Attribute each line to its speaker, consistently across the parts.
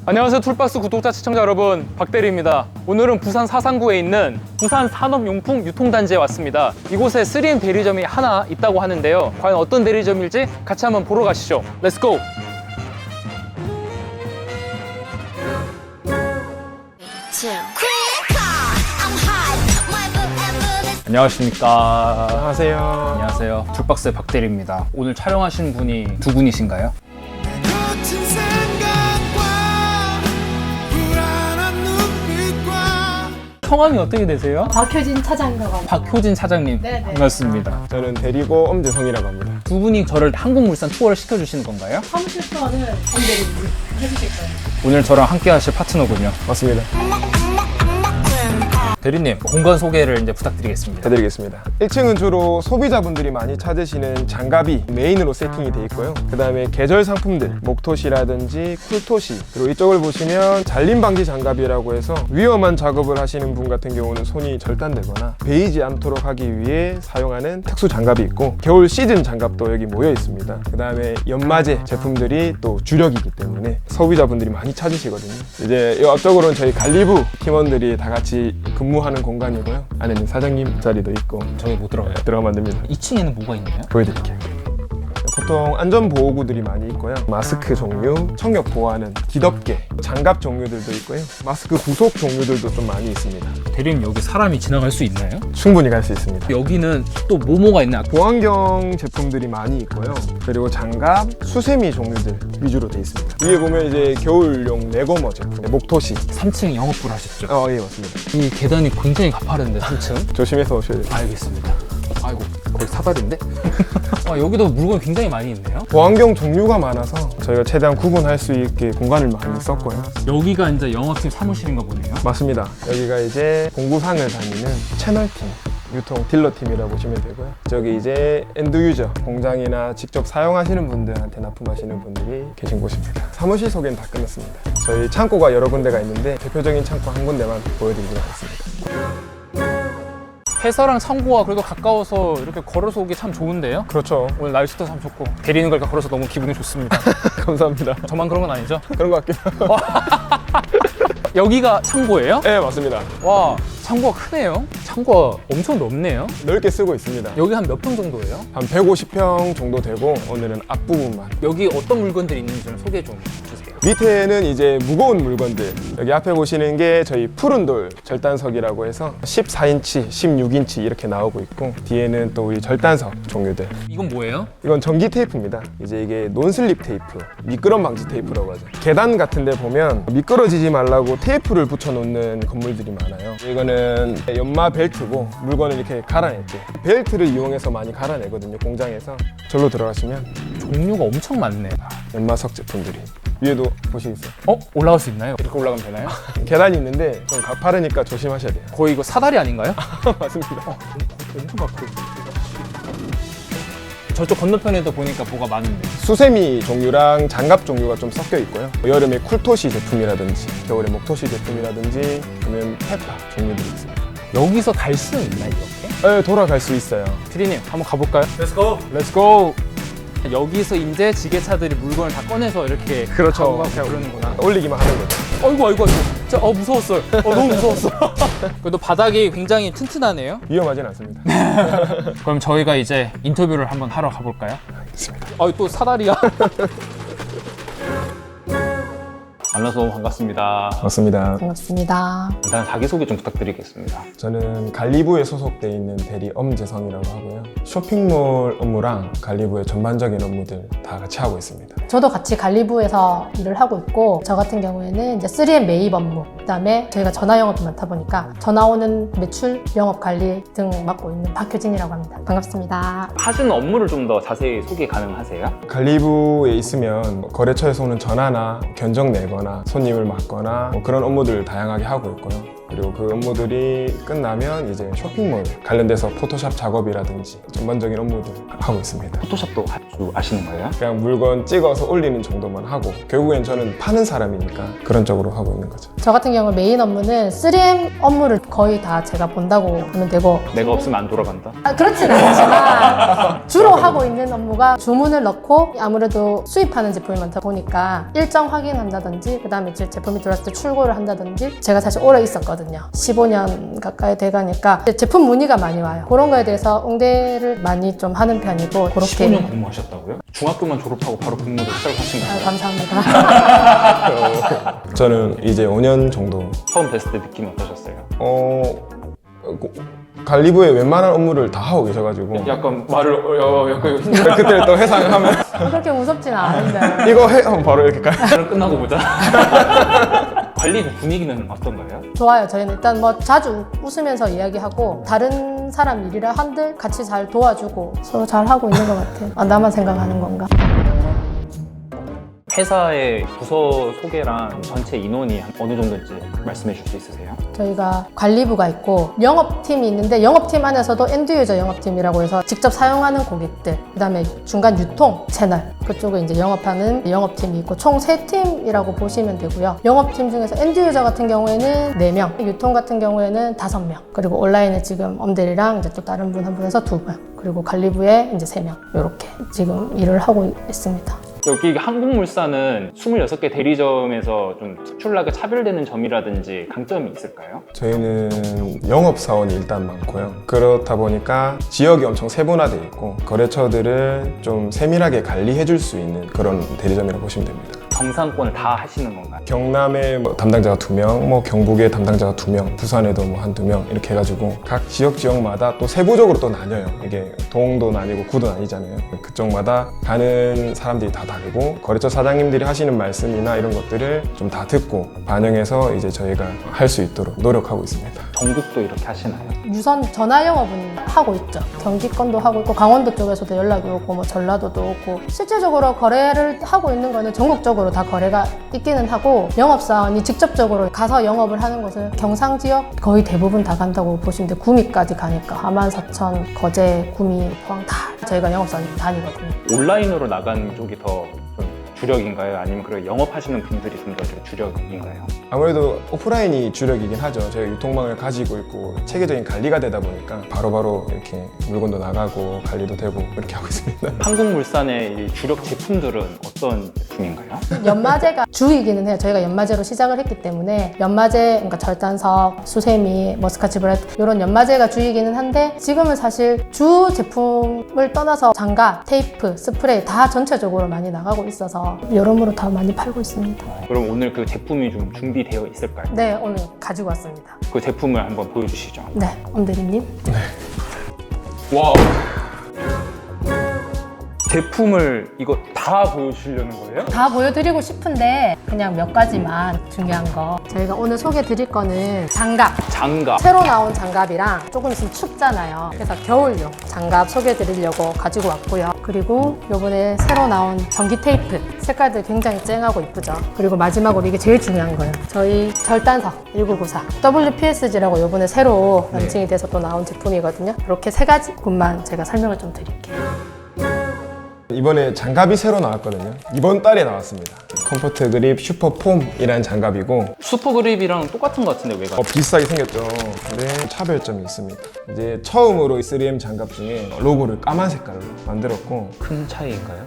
Speaker 1: 안녕하세요, 툴박스 구독자 시청자 여러분, 박대리입니다. 오늘은 부산 사상구에 있는 부산 산업용품 유통단지에 왔습니다. 이곳에 3M 대리점이 하나 있다고 하는데요, 과연 어떤 대리점일지 같이 한번 보러 가시죠. 렛츠고! 안녕하십니까.
Speaker 2: 안녕하세요.
Speaker 1: 안녕하세요. 툴박스의 박대리입니다. 오늘 촬영하신 분이 두 분이신가요? 성함이 어떻게 되세요?
Speaker 3: 박효진 차장이라고 합니다.
Speaker 1: 박효진 차장님.
Speaker 3: 네네.
Speaker 1: 반갑습니다.
Speaker 2: 저는 대리고 엄재성이라고 합니다.
Speaker 1: 두 분이 저를 한국물산 투어를 시켜주시는 건가요?
Speaker 3: 사무실 투어는 엄대리님 해주실 거예요.
Speaker 1: 오늘 저랑 함께 하실 파트너군요.
Speaker 2: 맞습니다.
Speaker 1: 대리님, 공간 소개를 이제 부탁드리겠습니다.
Speaker 2: 해드리겠습니다. 1층은 주로 소비자분들이 많이 찾으시는 장갑이 메인으로 세팅이 돼 있고요. 그 다음에 계절 상품들, 목토시라든지 쿨토시, 그리고 이쪽을 보시면 잘림 방지 장갑이라고 해서 위험한 작업을 하시는 분 같은 경우는 손이 절단되거나 베이지 않도록 하기 위해 사용하는 특수 장갑이 있고, 겨울 시즌 장갑도 여기 모여 있습니다. 그 다음에 연마제 제품들이 또 주력이기 때문에 소비자분들이 많이 찾으시거든요. 이제 이 앞쪽으로는 저희 갈리부 팀원들이 다 같이 근무하는 공간이고요. 안에는 사장님 자리도 있고.
Speaker 1: 저희 못 들어가요.
Speaker 2: 들어가면 안 됩니다.
Speaker 1: 2층에는 뭐가 있나요?
Speaker 2: 보여드릴게요. 보통 안전보호구들이 많이 있고요. 마스크 종류, 청력 보호하는 기덮개, 장갑 종류들도 있고요. 마스크 부속 종류들도 좀 많이 있습니다.
Speaker 1: 대리님, 여기 사람이 지나갈 수 있나요?
Speaker 2: 충분히 갈 수 있습니다.
Speaker 1: 여기는 또 뭐가 있나요?
Speaker 2: 보안경 제품들이 많이 있고요. 그리고 장갑, 수세미 종류들 위주로 되어 있습니다. 위에 보면 이제 겨울용 레거머 제품, 목토시.
Speaker 1: 3층 영업부를 하셨죠?
Speaker 2: 예, 맞습니다.
Speaker 1: 이 계단이 굉장히 가파른데, 3층?
Speaker 2: 조심해서 오셔야 돼요.
Speaker 1: 알겠습니다. 아이고, 거의 사다리인데? 여기도 물건이 굉장히 많이 있네요.
Speaker 2: 보안경 종류가 많아서 저희가 최대한 구분할 수 있게 공간을 많이 썼고요.
Speaker 1: 여기가 이제 영업팀 사무실인가 보네요.
Speaker 2: 맞습니다. 여기가 이제 공구상을 다니는 채널팀, 유통 딜러팀이라고 보시면 되고요. 저기 이제 엔드유저, 공장이나 직접 사용하시는 분들한테 납품하시는 분들이 계신 곳입니다. 사무실 소개는 다 끝났습니다. 저희 창고가 여러 군데가 있는데 대표적인 창고 한 군데만 보여드리도록 하겠습니다.
Speaker 1: 회사랑 창고가 그래도 가까워서 이렇게 걸어서 오기 참 좋은데요?
Speaker 2: 그렇죠.
Speaker 1: 오늘 날씨도 참 좋고 대리는 걸까 걸어서 너무 기분이 좋습니다.
Speaker 2: 감사합니다.
Speaker 1: 저만 그런 건 아니죠?
Speaker 2: 그런 것 같긴 해요.
Speaker 1: 여기가 창고예요?
Speaker 2: 네, 맞습니다.
Speaker 1: 와, 창고가 크네요. 창고가 엄청 넓네요.
Speaker 2: 넓게 쓰고 있습니다.
Speaker 1: 여기 한 몇 평 정도예요?
Speaker 2: 한 150평 정도 되고, 오늘은 앞부분만.
Speaker 1: 여기 어떤 물건들이 있는지 좀 소개 좀 주세요.
Speaker 2: 밑에는 이제 무거운 물건들, 여기 앞에 보시는 게 저희 푸른 돌 절단석이라고 해서 14인치, 16인치 이렇게 나오고 있고, 뒤에는 또 우리 절단석 종류들.
Speaker 1: 이건 뭐예요?
Speaker 2: 이건 전기 테이프입니다. 이제 이게 논슬립 테이프, 미끄럼 방지 테이프라고 하죠. 계단 같은 데 보면 미끄러지지 말라고 테이프를 붙여놓는 건물들이 많아요. 이거는 연마 벨트고, 물건을 이렇게 갈아낼 때 벨트를 이용해서 많이 갈아내거든요, 공장에서. 절로 들어가시면
Speaker 1: 종류가 엄청 많네.
Speaker 2: 연마석 제품들이. 위에도 보시겠어요?
Speaker 1: 올라갈 수 있나요? 이렇게 올라가면 되나요?
Speaker 2: 계단이 있는데 좀 가파르니까 조심하셔야 돼요.
Speaker 1: 거의 이거 사다리 아닌가요?
Speaker 2: 맞습니다.
Speaker 1: 엄청 가까워. 저쪽 건너편에도 보니까 뭐가 많은데.
Speaker 2: 수세미 종류랑 장갑 종류가 좀 섞여 있고요. 여름에 쿨토시 제품이라든지 겨울에 목토시 제품이라든지 아니면 페파 종류들이 있습니다.
Speaker 1: 여기서 갈 수는 있나 이렇게?
Speaker 2: 네, 돌아갈 수 있어요.
Speaker 1: 피디님, 한번 가볼까요?
Speaker 2: 렛츠고!
Speaker 1: 렛츠고! 여기서 이제 지게차들이 물건을 다 꺼내서 이렇게
Speaker 2: 그렇죠.
Speaker 1: 가고 그러는구나.
Speaker 2: 올리기만 하는 거죠.
Speaker 1: 아이고. 진짜 무서웠어요. 너무 무서웠어. 그래도 바닥이 굉장히 튼튼하네요.
Speaker 2: 위험하진 않습니다.
Speaker 1: 그럼 저희가 이제 인터뷰를 한번 하러 가볼까요?
Speaker 2: 알겠습니다.
Speaker 1: 또 사다리야. 만나서 너무 반갑습니다.
Speaker 2: 맞습니다.
Speaker 3: 반갑습니다.
Speaker 1: 일단 자기소개 좀 부탁드리겠습니다.
Speaker 2: 저는 갈리부에 소속돼 있는 대리 엄재성이라고 하고요. 쇼핑몰 업무랑 갈리부의 전반적인 업무들 다 같이 하고 있습니다.
Speaker 3: 저도 같이 갈리부에서 일을 하고 있고, 저 같은 경우에는 이제 3M 매입 업무, 그다음에 저희가 전화 영업이 많다 보니까 전화 오는 매출, 영업 관리 등 맡고 있는 박효진이라고 합니다. 반갑습니다.
Speaker 1: 하시는 업무를 좀 더 자세히 소개 가능하세요?
Speaker 2: 갈리부에 있으면 거래처에서 오는 전화나 견적 내거나 손님을 맡거나 그런 업무들을 다양하게 하고 있고요. 그리고 그 업무들이 끝나면 이제 쇼핑몰 관련돼서 포토샵 작업이라든지 전반적인 업무들 하고 있습니다.
Speaker 4: 포토샵도 할 줄 아시는 거예요?
Speaker 2: 그냥 물건 찍어서 올리는 정도만 하고 결국엔 저는 파는 사람이니까 그런 쪽으로 하고 있는 거죠.
Speaker 3: 저 같은 경우 메인 업무는 3M 업무를 거의 다 제가 본다고 하면 되고
Speaker 4: 내가 없으면 안 돌아간다.
Speaker 3: 그렇진 않지만 주로 하고 있는 업무가 주문을 넣고 아무래도 수입하는 제품이 많다 보니까 일정 확인한다든지 그 다음에 이제 제품이 들어왔을 때 출고를 한다든지 제가 사실 오래 있었거든요. 15년 가까이 돼가니까 제품 문의가 많이 와요. 그런 거에 대해서 응대를 많이 좀 하는 편이고 그렇게
Speaker 4: 15년 근무하셨다고요? 중학교만 졸업하고 바로 근무를 시작하신 거예요?
Speaker 3: 감사합니다.
Speaker 2: 저는 이제 5년 정도
Speaker 4: 처음 뵀을 때 느낌이 어떠셨어요?
Speaker 2: 관리부의 웬만한 업무를 다 하고 계셔가지고
Speaker 4: 약간 말을 약간
Speaker 2: 그때를 또 회상하면
Speaker 3: 그렇게 무섭지는 않은데
Speaker 2: 이거 해 하면 바로 이렇게 가요.
Speaker 4: 오늘 끝나고 보자. 관리부 분위기는 어떤가요?
Speaker 3: 좋아요. 저희는 일단 뭐 자주 웃으면서 이야기하고 다른 사람 일이라 한들 같이 잘 도와주고 서로 잘 하고 있는 것 같아요. 나만 생각하는 건가?
Speaker 4: 회사의 부서 소개랑 전체 인원이 어느 정도인지 말씀해 줄 수 있으세요?
Speaker 3: 저희가 관리부가 있고 영업팀이 있는데 영업팀 안에서도 엔드유저 영업팀이라고 해서 직접 사용하는 고객들 그 다음에 중간 유통 채널 그쪽에 이제 영업하는 영업팀이 있고 총 3팀이라고 보시면 되고요. 영업팀 중에서 엔드유저 같은 경우에는 4명, 유통 같은 경우에는 5명, 그리고 온라인에 지금 엄대리랑 이제 또 다른 분 한 분에서 2분, 그리고 관리부에 이제 3명 이렇게 지금 일을 하고 있습니다.
Speaker 4: 여기 한국물산은 26개 대리점에서 좀 특출나게 차별되는 점이라든지 강점이 있을까요?
Speaker 2: 저희는 영업사원이 일단 많고요. 그렇다 보니까 지역이 엄청 세분화되어 있고 거래처들을 좀 세밀하게 관리해 줄 수 있는 그런 대리점이라고 보시면 됩니다.
Speaker 4: 정상권을 다 하시는 건가요?
Speaker 2: 경남에 뭐 담당자가 2명, 뭐 경북에 담당자가 2명, 부산에도 뭐 한 2명 이렇게 해가지고 각 지역마다 또 세부적으로 또 나뉘어요. 이게 동도 나뉘고 구도 나뉘잖아요. 그쪽마다 가는 사람들이 다 다르고 거래처 사장님들이 하시는 말씀이나 이런 것들을 좀 다 듣고 반영해서 이제 저희가 할 수 있도록 노력하고 있습니다.
Speaker 4: 전국도 이렇게 하시나요?
Speaker 3: 유선 전화 영업은 하고 있죠. 경기권도 하고 있고 강원도 쪽에서도 연락이 오고 뭐 전라도도 오고 실질적으로 거래를 하고 있는 거는 전국적으로 다 거래가 있기는 하고 영업사원이 직접적으로 가서 영업을 하는 것은 경상 지역 거의 대부분 다 간다고 보시면 돼요. 구미까지 가니까 하만, 사천, 거제, 구미, 포항 다 저희가 영업사원이 다니거든요.
Speaker 4: 온라인으로 나가는 쪽이 더 좀 주력인가요? 아니면 그 영업하시는 분들이 좀 더 주력인가요?
Speaker 2: 아무래도 오프라인이 주력이긴 하죠. 저희가 유통망을 가지고 있고 체계적인 관리가 되다 보니까 바로바로 이렇게 물건도 나가고 관리도 되고 이렇게 하고 있습니다.
Speaker 4: 한국물산의 이 주력 제품들은 어떤 제품인가요?
Speaker 3: 연마제가 주이기는 해요. 저희가 연마제로 시작을 했기 때문에 연마제, 그러니까 절단석, 수세미, 뭐 스카치 브라이트 이런 연마제가 주이기는 한데 지금은 사실 주 제품을 떠나서 장갑, 테이프, 스프레이 다 전체적으로 많이 나가고 있어서 여러모로 다 많이 팔고 있습니다.
Speaker 4: 그럼 오늘 그 제품이 좀 준비되어 있을까요?
Speaker 3: 네, 오늘 가지고 왔습니다.
Speaker 4: 그 제품을 한번 보여주시죠.
Speaker 3: 네, 엄대리님.
Speaker 4: 와. 제품을 이거 다 보여주시려는 거예요?
Speaker 3: 다 보여드리고 싶은데 그냥 몇 가지만 중요한 거 저희가 오늘 소개해 드릴 거는 장갑
Speaker 4: 장갑.
Speaker 3: 새로 나온 장갑이랑 조금 있으면 춥잖아요. 그래서 겨울용 장갑 소개해 드리려고 가지고 왔고요. 그리고 요번에 새로 나온 전기 테이프 색깔들 굉장히 쨍하고 이쁘죠. 그리고 마지막으로 이게 제일 중요한 거예요. 저희 절단석 1994 WPSG라고 요번에 새로 런칭이 돼서 또 나온 제품이거든요. 이렇게 3가지뿐만 제가 설명을 좀 드릴게요.
Speaker 2: 이번에 장갑이 새로 나왔거든요. 이번 달에 나왔습니다. 컴포트 그립 슈퍼폼이라는 장갑이고
Speaker 4: 슈퍼그립이랑 똑같은 것 같은데 왜
Speaker 2: 비슷하게 생겼죠. 근데 차별점이 있습니다. 이제 처음으로 이 3M 장갑 중에 로고를 까만 색깔로 만들었고
Speaker 4: 큰 차이인가요?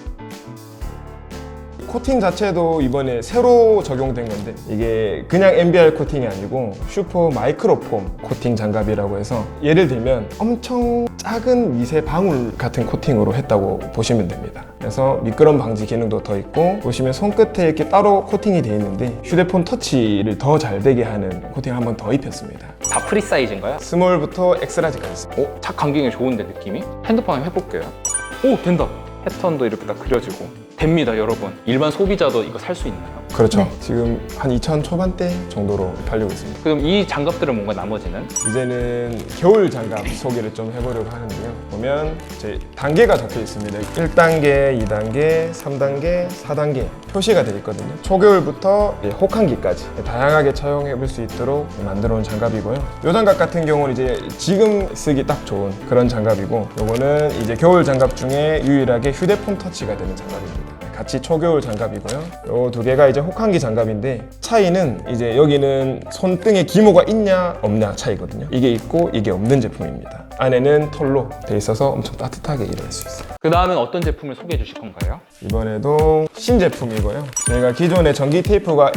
Speaker 2: 코팅 자체도 이번에 새로 적용된 건데 이게 그냥 MBR 코팅이 아니고 슈퍼 마이크로폼 코팅 장갑이라고 해서 예를 들면 엄청 작은 미세 방울 같은 코팅으로 했다고 보시면 됩니다. 그래서 미끄럼 방지 기능도 더 있고 보시면 손끝에 이렇게 따로 코팅이 되어 있는데 휴대폰 터치를 더 잘 되게 하는 코팅을 한 번 더 입혔습니다.
Speaker 4: 다 프리 사이즈인가요?
Speaker 2: 스몰부터 엑스라지까지 있습니다.
Speaker 4: 착 감기기 좋은데 느낌이? 핸드폰 한번 해볼게요. 오 된다. 패턴도 이렇게 딱 그려지고 됩니다 여러분. 일반 소비자도 이거 살 수 있나요?
Speaker 2: 그렇죠.
Speaker 3: 네.
Speaker 2: 지금 한 2,000 초반대 정도로 팔리고 있습니다.
Speaker 4: 그럼 이 장갑들은 뭔가 나머지는?
Speaker 2: 이제는 겨울 장갑 소개를 좀 해보려고 하는데요. 보면 제 단계가 적혀 있습니다. 1단계, 2단계, 3단계, 4단계 표시가 되어 있거든요. 초겨울부터 혹한기까지 다양하게 차용해 볼 수 있도록 만들어 놓은 장갑이고요. 이 장갑 같은 경우는 이제 지금 쓰기 딱 좋은 그런 장갑이고, 요거는 이제 겨울 장갑 중에 유일하게 휴대폰 터치가 되는 장갑입니다. 같이 초겨울 장갑이고요. 요 두 개가 이제 혹한기 장갑인데, 차이는 이제 여기는 손등에 기모가 있냐 없냐 차이거든요. 이게 있고 이게 없는 제품입니다. 안에는 톨로 돼 있어서 엄청 따뜻하게 일할 수 있어요.
Speaker 4: 그 다음엔 어떤 제품을 소개해 주실 건가요?
Speaker 2: 이번에도 신제품이고요. 저희가 기존에 전기 테이프가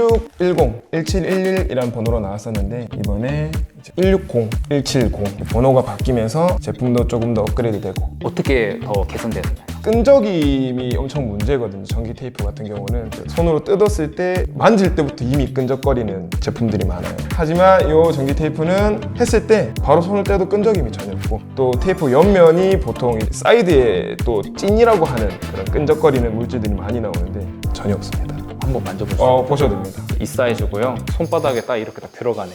Speaker 2: 1610, 1711이라는 번호로 나왔었는데, 이번에 160, 170 번호가 바뀌면서 제품도 조금 더 업그레이드 되고,
Speaker 4: 어떻게 더 개선되었나요?
Speaker 2: 끈적임이 엄청 문제거든요. 전기 테이프 같은 경우는 손으로 뜯었을 때 만질 때부터 이미 끈적거리는 제품들이 많아요. 하지만 이 전기 테이프는 했을 때 바로 손을 떼도 끈적임이 전혀 없고, 또 테이프 옆면이 보통 사이드에 또 찐이라고 하는 그런 끈적거리는 물질들이 많이 나오는데 전혀 없습니다.
Speaker 4: 한번 만져보세요.
Speaker 2: 보셔도 됩니다.
Speaker 4: 이 사이즈고요. 손바닥에 딱 이렇게 딱 들어가네요.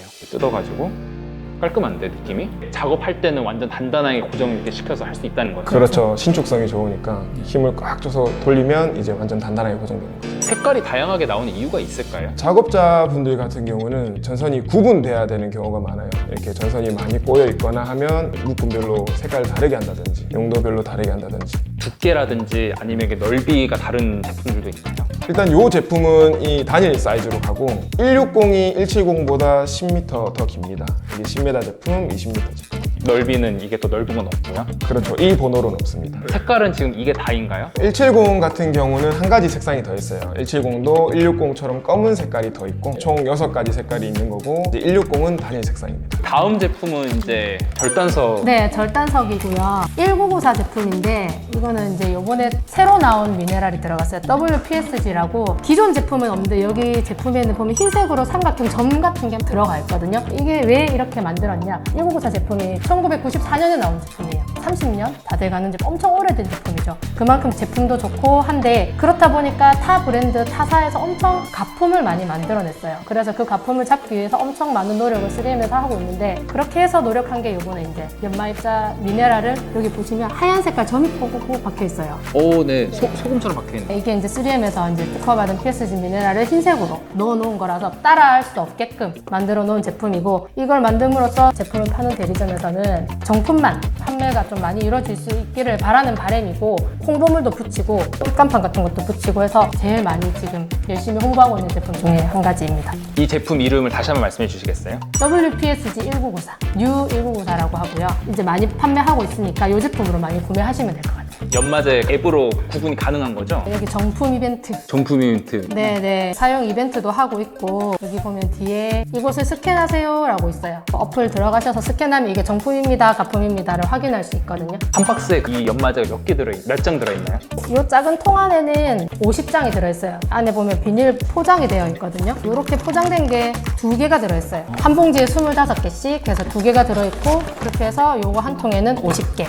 Speaker 4: 뜯어가지고 깔끔한데 느낌이? 작업할 때는 완전 단단하게 고정 이렇게 시켜서 할 수 있다는 거죠.
Speaker 2: 그렇죠. 신축성이 좋으니까 힘을 꽉 줘서 돌리면 이제 완전 단단하게 고정되는 거예요.
Speaker 4: 색깔이 다양하게 나오는 이유가 있을까요?
Speaker 2: 작업자분들 같은 경우는 전선이 구분돼야 되는 경우가 많아요. 이렇게 전선이 많이 꼬여 있거나 하면 묶음별로 색깔을 다르게 한다든지 용도별로 다르게 한다든지.
Speaker 4: 두께라든지 아니면 이게 넓이가 다른 제품들도 있나요?
Speaker 2: 일단 이 제품은 이 단일 사이즈로 가고 160이 170보다 10m 더 깁니다. 이게 10m 제품, 20m 제품.
Speaker 4: 넓이는 이게 또 넓은 건 없고요.
Speaker 2: 그렇죠. 이 번호는 없습니다.
Speaker 4: 색깔은 지금 이게 다인가요?
Speaker 2: 170 같은 경우는 한 가지 색상이 더 있어요. 170도 160처럼 검은 색깔이 더 있고 총 6가지 색깔이 있는 거고, 이제 160은 단일 색상입니다.
Speaker 4: 다음 제품은 이제 절단석.
Speaker 3: 네, 절단석이고요. 1994 제품인데 이거는 이제 요번에 새로 나온 미네랄이 들어갔어요. WPSG라고 기존 제품은 없는데 여기 제품에는 보면 흰색으로 삼각형 점 같은 게 들어가 있거든요. 이게 왜 이렇게 만들었냐? 1994 제품이 1994년에 나온 제품이에요. 30년 다 돼가는 제품, 엄청 오래된 제품이죠. 그만큼 제품도 좋고 한데, 그렇다 보니까 타 브랜드 타사에서 엄청 가품을 많이 만들어냈어요. 그래서 그 가품을 잡기 위해서 엄청 많은 노력을 3M에서 하고 있는데, 그렇게 해서 노력한 게 요번에 이제 연마입자 미네랄을 여기 보시면 하얀 색깔 점이 꼭꼭 박혀 있어요.
Speaker 4: 오, 네. 소금처럼 박혀있네.
Speaker 3: 이게 이제 3M에서 이제 특허받은 PSG 미네랄을 흰색으로 넣어놓은 거라서 따라할 수 없게끔 만들어 놓은 제품이고, 이걸 만듦으로써 제품을 파는 대리점에서는 정품만 판매가 좀 많이 이루어질 수 있기를 바라는 바람이고, 홍보물도 붙이고 깜판 같은 것도 붙이고 해서 제일 많이 지금 열심히 홍보하고 있는 제품 중에 한 가지입니다.
Speaker 4: 이 제품 이름을 다시 한번 말씀해 주시겠어요?
Speaker 3: WPSG 1994, New 1994라고 하고요. 이제 많이 판매하고 있으니까 이 제품으로 많이 구매하시면 될 것 같아요.
Speaker 4: 연마제 앱으로 구분이 가능한 거죠?
Speaker 3: 여기 정품 이벤트,
Speaker 4: 정품 이벤트.
Speaker 3: 네네, 사용 이벤트도 하고 있고, 여기 보면 뒤에 이곳을 스캔하세요 라고 있어요. 어플 들어가셔서 스캔하면 이게 정품입니다, 가품입니다를 확인할 수 있거든요.
Speaker 4: 한 박스에 이 연마제가 몇 장 들어있나요?
Speaker 3: 이 작은 통 안에는 50장이 들어있어요. 안에 보면 비닐 포장이 되어 있거든요. 이렇게 포장된 게 2개가 들어있어요. 한 봉지에 25개씩 해서 2개가 들어있고, 그렇게 해서 요거 한 통에는 50개.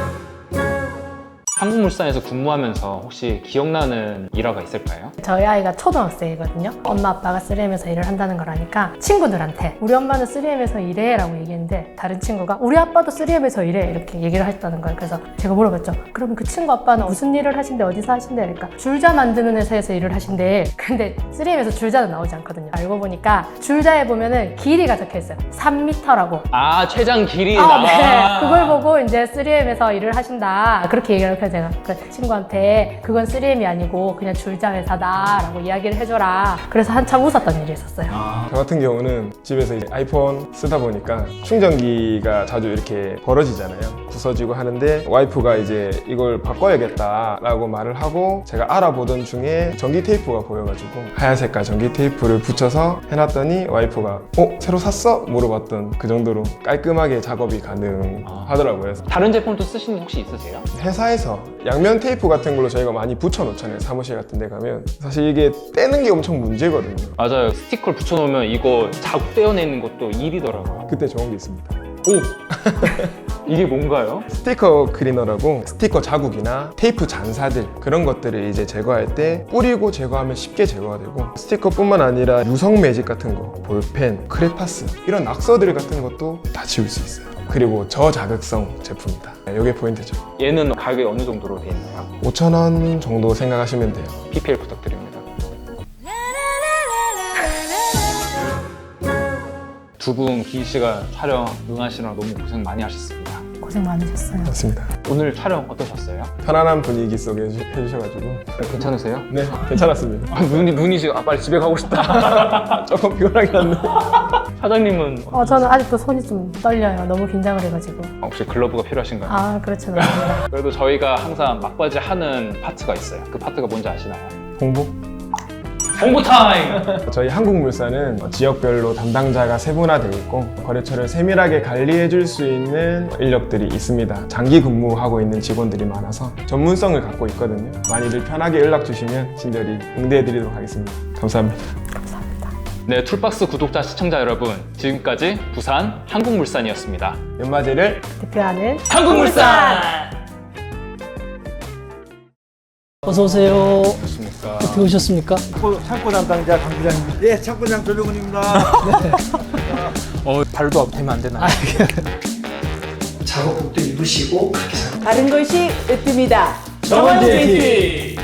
Speaker 4: 한국물산에서 근무하면서 혹시 기억나는 일화가 있을까요?
Speaker 3: 저희 아이가 초등학생이거든요. 엄마 아빠가 3M에서 일을 한다는 걸 아니까 친구들한테 우리 엄마는 3M에서 일해 라고 얘기했는데, 다른 친구가 우리 아빠도 3M에서 일해 이렇게 얘기를 했다는 거예요. 그래서 제가 물어봤죠. 그럼 그 친구 아빠는 무슨 일을 하신대, 어디서 하신대? 그러니까 줄자 만드는 회사에서 일을 하신대. 근데 3M에서 줄자는 나오지 않거든요. 알고 보니까 줄자에 보면은 길이가 적혀 있어요. 3m라고.
Speaker 4: 아, 최장 길이.
Speaker 3: 네. 그걸 보고 이제 3M에서 일을 하신다, 그렇게 얘기를 해서 제가 그 친구한테 그건 3M이 아니고 그냥 줄자 회사다 라고 이야기를 해줘라. 그래서 한참 웃었던 일이 있었어요.
Speaker 2: 저 같은 경우는 집에서 이제 아이폰 쓰다 보니까 충전기가 자주 이렇게 벌어지잖아요. 부서지고 하는데, 와이프가 이제 이걸 바꿔야겠다라고 말을 하고, 제가 알아보던 중에 전기 테이프가 보여가지고 하얀 색깔 전기 테이프를 붙여서 해놨더니 와이프가 새로 샀어? 물어봤던 그 정도로 깔끔하게 작업이 가능하더라고요.
Speaker 4: 다른 제품도 쓰시는 거 혹시 있으세요?
Speaker 2: 회사에서 양면 테이프 같은 걸로 저희가 많이 붙여놓잖아요. 사무실 같은 데 가면 사실 이게 떼는 게 엄청 문제거든요.
Speaker 4: 맞아요. 스티커를 붙여놓으면 이거 자국 떼어내는 것도 일이더라고요.
Speaker 2: 그때 좋은 게 있습니다.
Speaker 4: 오! 이게 뭔가요?
Speaker 2: 스티커 클리너라고, 스티커 자국이나 테이프 잔사들 그런 것들을 이제 제거할 때 뿌리고 제거하면 쉽게 제거가 되고, 스티커뿐만 아니라 유성 매직 같은 거, 볼펜, 크레파스 이런 낙서들 같은 것도 다 지울 수 있어요. 그리고 저자극성 제품이다. 이게 포인트죠.
Speaker 4: 얘는 가격이 어느 정도로 돼 있나요?
Speaker 2: 5,000원 정도 생각하시면 돼요.
Speaker 4: PPL 부탁드립니다. 두 분 긴 시간 촬영 응하시느라 너무 고생 많이 하셨습니다.
Speaker 3: 고생 많으셨어요.
Speaker 2: 맞습니다.
Speaker 4: 오늘 촬영 어떠셨어요?
Speaker 2: 편안한 분위기 속에 해주셔가지고
Speaker 4: 괜찮으세요?
Speaker 2: 네, 괜찮았습니다.
Speaker 4: 아, 눈이 지금 빨리 집에 가고 싶다.
Speaker 2: 조금 피곤하긴 한데
Speaker 4: 사장님은
Speaker 3: 저는 아직도 손이 좀 떨려요. 너무 긴장을 해가지고.
Speaker 4: 혹시 글러브가 필요하신가요?
Speaker 3: 아, 그렇진 않습니다.
Speaker 4: 그래도 저희가 항상 막바지 하는 파트가 있어요. 그 파트가 뭔지 아시나요?
Speaker 2: 홍보?
Speaker 4: 홍보 타임!
Speaker 2: 저희 한국물산은 지역별로 담당자가 세분화되어 있고 거래처를 세밀하게 관리해 줄 수 있는 인력들이 있습니다. 장기 근무하고 있는 직원들이 많아서 전문성을 갖고 있거든요. 많이들 편하게 연락 주시면 친절히 응대해 드리도록 하겠습니다. 감사합니다.
Speaker 4: 네, 툴박스 구독자 시청자 여러분, 지금까지 부산 한국물산이었습니다.
Speaker 2: 연마제를
Speaker 3: 대표하는
Speaker 4: 한국물산!
Speaker 5: 어서 오세요.
Speaker 4: 좋습니까?
Speaker 5: 어떻게 오셨습니까?
Speaker 6: 창고 담당자 강 부장입니다. 예, 창고장 조병훈입니다.
Speaker 1: 발도 되면 안 되나요?
Speaker 5: 작업복도 입으시고 그렇게
Speaker 7: 다른 것이 으뜸이다.
Speaker 5: 정원 JT.